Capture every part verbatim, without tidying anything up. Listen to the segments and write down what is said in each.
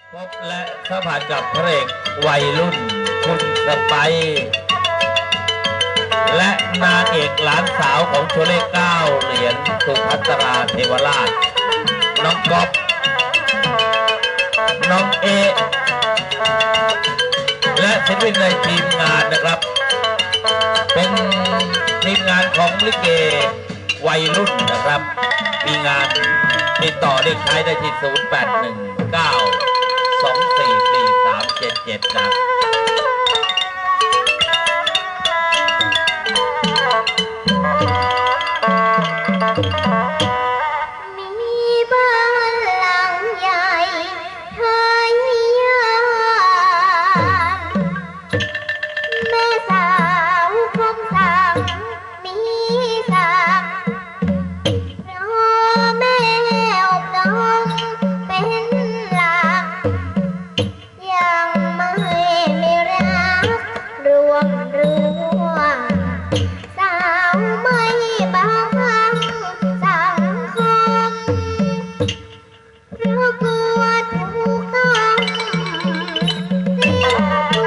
พบและสัมผัสกับพระเอกวัยรุ่นคุณสไปร์และนางเอกหลานสาวของโชเล่เก้าเหรียญสุภัตราเทวราชน้องก๊อฟน้องเอและศิลปินในทีมงานนะครับเป็นทีมงานของลิเกวัยรุ่นนะครับมีงานติดต่อได้ใช้ได้ที่ศูนย์ แปด หนึ่ง เก้า สอง สี่ สี่ สาม เจ็ด เจ็ดนะมีบ้านหลังใหญ่ทายยานแม่สาวคมสังมีสักเพราะแม่อบน้องเป็นหลักยังไม่มีรักรวมรัวสาวไม่บังสังคมเพราะกลัวถูกต้องเสีย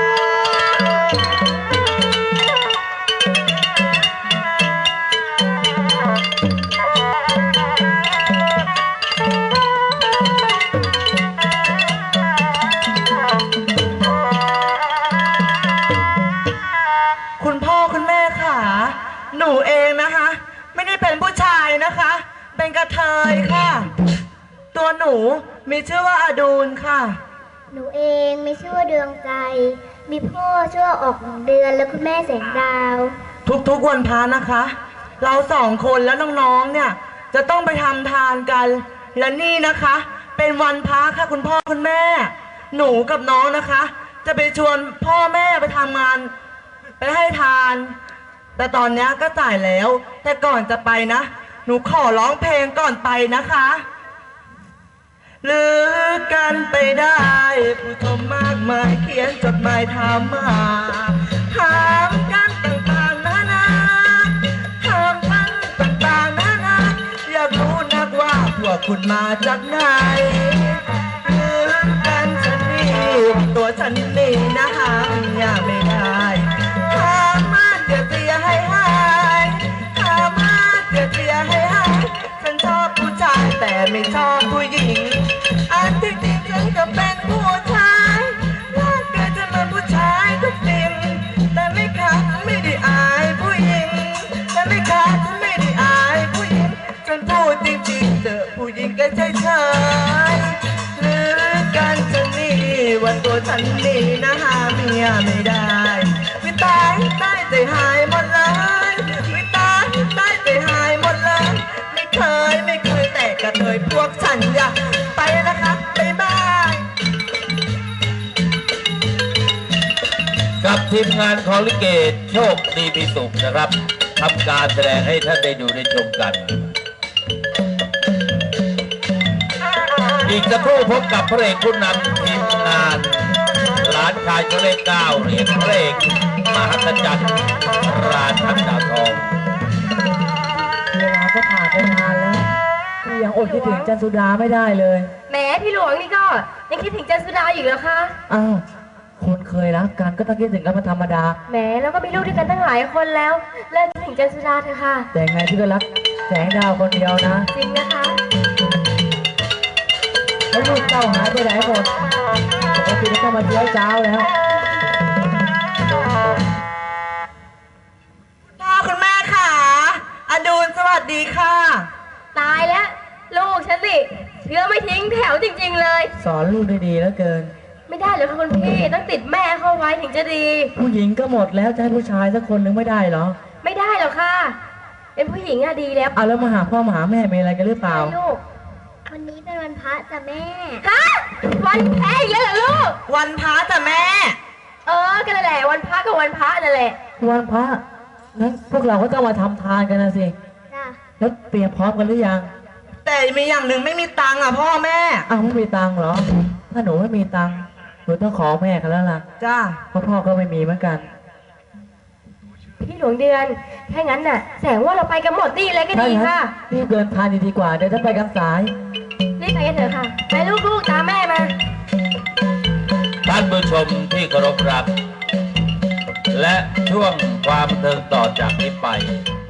คุณพ่อคุณแม่ค่ะหนูเองนะคะไม่ได้เป็นผู้ชายนะคะเป็นกระเทยค่ะตัวหนูมีชื่อว่าอดูลค่ะหนูเองมีชื่อว่าดวงใจมีพ่อชื่อว่าออกเดือนและคุณแม่แสงดาวทุกๆวันพระนะคะ เราสองคนแล้วน้องๆเนี่ยจะต้องไปทำทานกันและนี่นะคะเป็นวันพระค่ะคุณพ่อคุณแม่ หนูกับน้องนะคะ จะไปชวนพ่อแม่ไปทำงานไปให้ทาน แต่ตอนนี้ก็จ่ายแล้วแต่ก่อนจะไปนะหนูขอร้องเพลงก่อนไปนะคะหรือกันไปได้ผู้ชมมากมายเขียนจดหมายถามมาถามกันต่างๆนานาถามกันต่างๆนานาอยากรู้นักว่าพวกคุณมาจากไหนหรือกันฉันนี่ตัวฉันนี่นะหาอยากไม่ได้ถามมาเดี๋ยวจะอย่าให้หายถามมาเดี๋ยวจะอย่าให้หายฉันชอบผู้ชายแต่ไม่ชอบผู้หญิงอันที่จริงฉันก็เป็นผู้ชายร่างกายจะเหมือนผู้ชายทุกสิ่งแต่ไม่ขาดไม่ได้อายผู้หญิงแต่ไม่ขาดไม่ได้อายผู้หญิงฉันพูดจริงๆเจอผู้หญิงก็เฉยๆหรือกันฉันนี่ว่าตัวฉันนี่นะหาเมียไม่ได้วิตายตายใจหายหมดเลยวิตายตายใจหายหมดเลยไม่เคยไม่เคยแต่กระเทยพวกฉันอยากไปนะคะบ๊ายบายกับทีมงานของลิเกโชคดีมีสุขนะครับทำการแสดงให้ท่านได้ดูได้ชมกัน อีกสักครู่พบกับพระเอกผู้นำทีมงานหลานชายโชเล่เก้าเหรียญพระเอกมหัศจรรย์ราชันดาวทองเวลาก็ผ่านไปนานแล้วพี่ยังอดคิดถึงจันสุดาไม่ได้เลยแหมพี่หลวงนี่ก็ยังคิดถึงจันสุดาอยู่แล้วคะอ้าวคนเคยรักกันก็ต้องคิดถึงกันเป็นธรรมดาแหมแล้วก็มีลูกด้วยกันตั้งหลายคนแล้วเลิกคิดถึงจันสุดาเถอะค่ะแต่ไงพี่ก็รักแสงดาวคนเดียวนะจริงนะคะแล้วลูกเต้าหายไปไหนหมดปกติก็มาเที่ยวเช้าแล้วพ่อคุณแม่ค่ะอดูลสวัสดีค่ะตายแล้วลูกฉันสิเชื้อไม่ทิ้งแถวจริงๆเลยสอนลูกได้ดีแล้วเกินไม่ได้เลยค่ะคุณพี่ต้องติดแม่เข้าไว้ถึงจะดีผู้หญิงก็หมดแล้วจะให้ผู้ชายสักคนหนึ่งไม่ได้เหรอไม่ได้หรอกค่ะ เป็นผู้หญิงอะดีแล้วเอาแล้วมาหาพ่อมาหาแม่มีอะไรกันหรือเปล่าลูกวันนี้เป็นวันพระจ้ะแม่ฮะวันแพ้เยอะเหรอลูกวันพระจ้ะแม่เออกันแหละวันพระกับวันพระนั่นแหละวันพระงั้นพวกเราก็ต้องมาทำทานกันนะสิจ้ะแล้วเตรียมพร้อมกันหรือยังแต่มีอย่างหนึ่งไม่มีตังค์อ่ะพ่อแม่อ้าวไม่มีตังค์เหรอ ถ้าหนูไม่มีตังค์หนูต้องขอแม่กันแล้วล่ะจ้าเพราะพ่อก็ไม่มีเหมือนกันพี่หลวงเดือนถ้างั้นน่ะแสดงว่าเราไปกันหมดนี่เลยก็ดีค่ะรีบเดินทางดีกว่าเดี๋ยวถ้าไปกันสายรีบไปกันเถอะค่ะไปลูกๆตามแม่มาท่านผู้ชมที่เคารพรักและช่วงความบันเทิงต่อจากนี้ไป